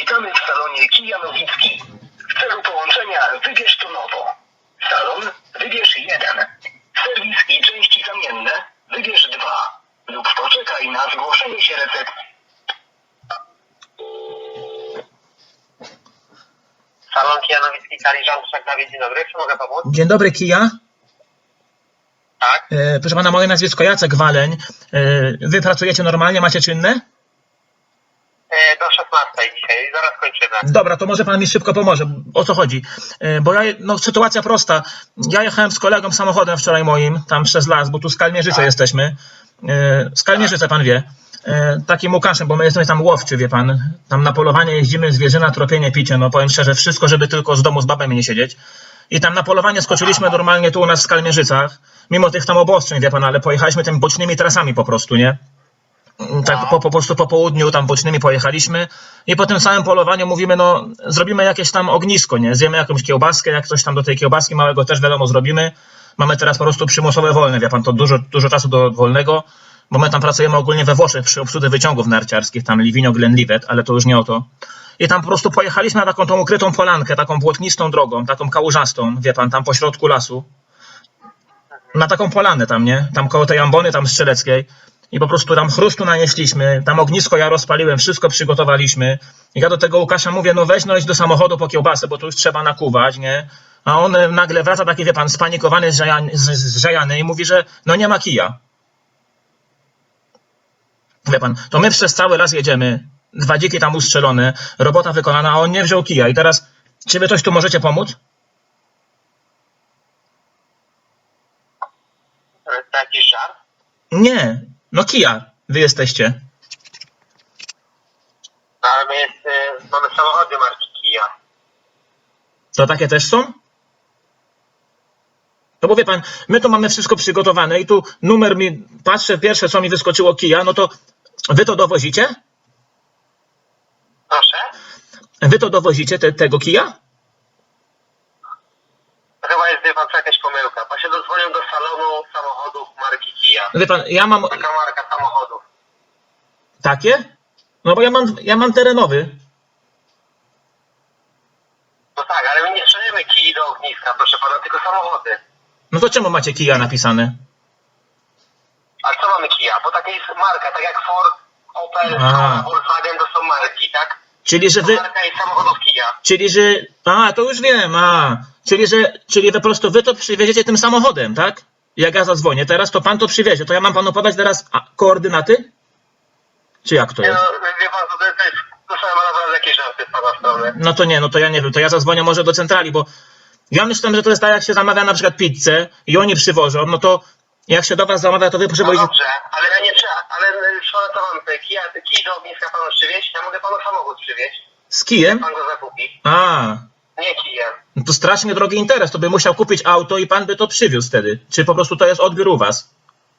Witamy w salonie Kia Nowicki. W celu połączenia wybierz to nowo. Salon wybierz 1. Serwis i części zamienne wybierz 2. Lub poczekaj na zgłoszenie się recepcji. Salon Kia Nowicki, Kaliżan, Dawid, dzień dobry. Czy mogę pomóc? Dzień dobry, Kia. Tak. Proszę pana, moje nazwisko Jacek Waleń. Wy pracujecie normalnie, macie czynne? Do 16 dzisiaj, zaraz kończymy. Dobra, to może pan mi szybko pomoże. O co chodzi? Bo sytuacja prosta. Ja jechałem z kolegą samochodem wczoraj moim, tam przez las, bo tu z Kalmierzyce jesteśmy. Z Kalmierzyce pan wie. Takim Łukaszem, bo my jesteśmy tam łowczy, wie pan. Tam na polowanie jeździmy, zwierzyna, tropienie, picie. No powiem szczerze, wszystko, żeby tylko z domu z babami nie siedzieć. I tam na polowanie skoczyliśmy normalnie tu u nas w Kalmierzycach. Mimo tych tam obostrzeń, wie pan, ale pojechaliśmy tymi bocznymi trasami po prostu, nie? Tak po prostu po południu tam bocznymi pojechaliśmy i po tym samym polowaniu mówimy, no zrobimy jakieś tam ognisko, nie? Zjemy jakąś kiełbaskę, jak coś tam do tej kiełbaski małego też wiadomo zrobimy. Mamy teraz po prostu przymusowe wolne, wie pan, to dużo czasu do wolnego, bo my tam pracujemy ogólnie we Włoszech przy obsłudze wyciągów narciarskich, tam Livigno, Glenlivet, ale to już nie o to. I tam po prostu pojechaliśmy na taką tą ukrytą polankę, taką błotnistą drogą, taką kałużastą, wie pan, tam po środku lasu. Na taką polanę tam, nie? Tam koło tej ambony, tam strzeleckiej. I po prostu tam chrustu nanieśliśmy, tam ognisko ja rozpaliłem, wszystko przygotowaliśmy. I ja do tego Łukasza mówię, no weź no idź do samochodu po kiełbasę, bo tu już trzeba nakuwać, nie? A on nagle wraca taki, wie pan, spanikowany, zżajany i mówi, że no nie ma kija. Wie pan, to my przez cały las jedziemy, 2 dziki tam ustrzelone, robota wykonana, a on nie wziął kija. I teraz, czy wy coś tu możecie pomóc? To jakiś żart? Nie, no kija wy jesteście. No ale my mamy samochody marki Kia. To takie też są? To bo wie pan, my tu mamy wszystko przygotowane i tu numer mi, patrzę, pierwsze co mi wyskoczyło Kia, no to wy to dowozicie? Proszę? Wy to dowozicie tego Kia? Chyba jest, wie pan, co jakaś pomyłka. Pan się dodzwonił do salonu samochodów marki Kia. Wie pan, ja mam Taka marka samochodów. takie? No bo ja mam terenowy. No tak, ale my nie strzelimy Kii do ogniska, proszę pana, tylko samochody. No to czemu macie Kia napisane? A co mamy Kia? Bo taka jest marka, tak jak Ford, Opel, Volkswagen to są marki, tak? Czyli, że To wy... marka jest samochodów Kia. Czyli, że... A, to już wiem, Czyli wy po prostu wy to przywieziecie tym samochodem, tak? Jak ja zadzwonię teraz, to pan to przywiezie. To ja mam panu podać teraz koordynaty? Czy jak to Nie jest? no, wie pan, to jest, proszę pana, naprawdę jakieś żarty z pana strony. No to nie, no to ja nie wiem, to ja zadzwonię może do centrali, bo ja myślę, że to jest tak, jak się zamawia na przykład pizzę i oni przywożą, no to jak się do was zamawia, to wy No potrzebujecie... dobrze, ale ja nie trzeba, ale co mam tutaj? Kij do ogniska panu przywieźć? Ja mogę panu samochód przywieźć. Z kijem? Pan go zakupi. A, Nie kijem. no to strasznie drogi interes, to by musiał kupić auto i pan by to przywiózł wtedy. Czy po prostu to jest odbiór u was?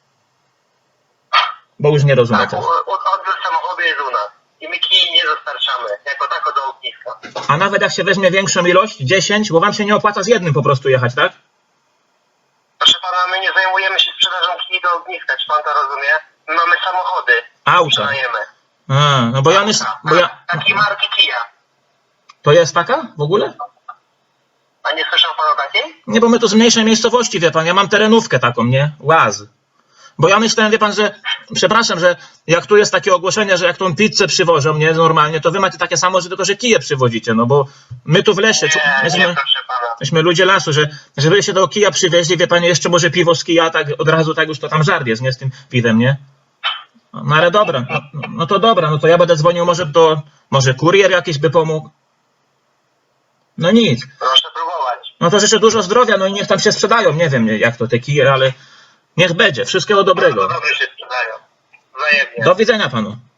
Bo już nie rozumiem Tak, też. odbiór samochodu jest u nas. I my kij nie dostarczamy, jako tako do ogniska. A nawet jak się weźmie większą ilość, 10, bo wam się nie opłaca z jednym po prostu jechać, tak? Proszę pana, my nie zajmujemy się sprzedażą kij do ogniska, czy pan to rozumie? My mamy samochody. Auta. Sprzedajemy. A, no bo ja myślę... Takiej marki Kia. To jest taka w ogóle? A nie słyszał pan o takiej? Nie, bo my tu z mniejszej miejscowości, wie pan, ja mam terenówkę taką, nie? Łaz. Bo ja myślałem, wie pan, że, przepraszam, że jak tu jest takie ogłoszenie, że jak tą pizzę przywożą, nie, normalnie, to wy macie takie samo, że tylko, że kije przywozicie, no bo my tu w lesie, Nie, proszę pana. myśmy ludzie lasu, że wy się do kija przywieźli, wie pan, jeszcze może piwo z kija, tak od razu, tak już to tam żart jest, nie, z tym piwem, nie? No ale dobra, no to dobra, no to ja będę dzwonił może kurier jakiś by pomógł. No nic. Proszę próbować. No to życzę dużo zdrowia, no i niech tam się sprzedają, nie wiem jak to te kije, ale niech będzie, wszystkiego dobrego. Dobrze się sprzedają. Wzajemnie. Do widzenia panu.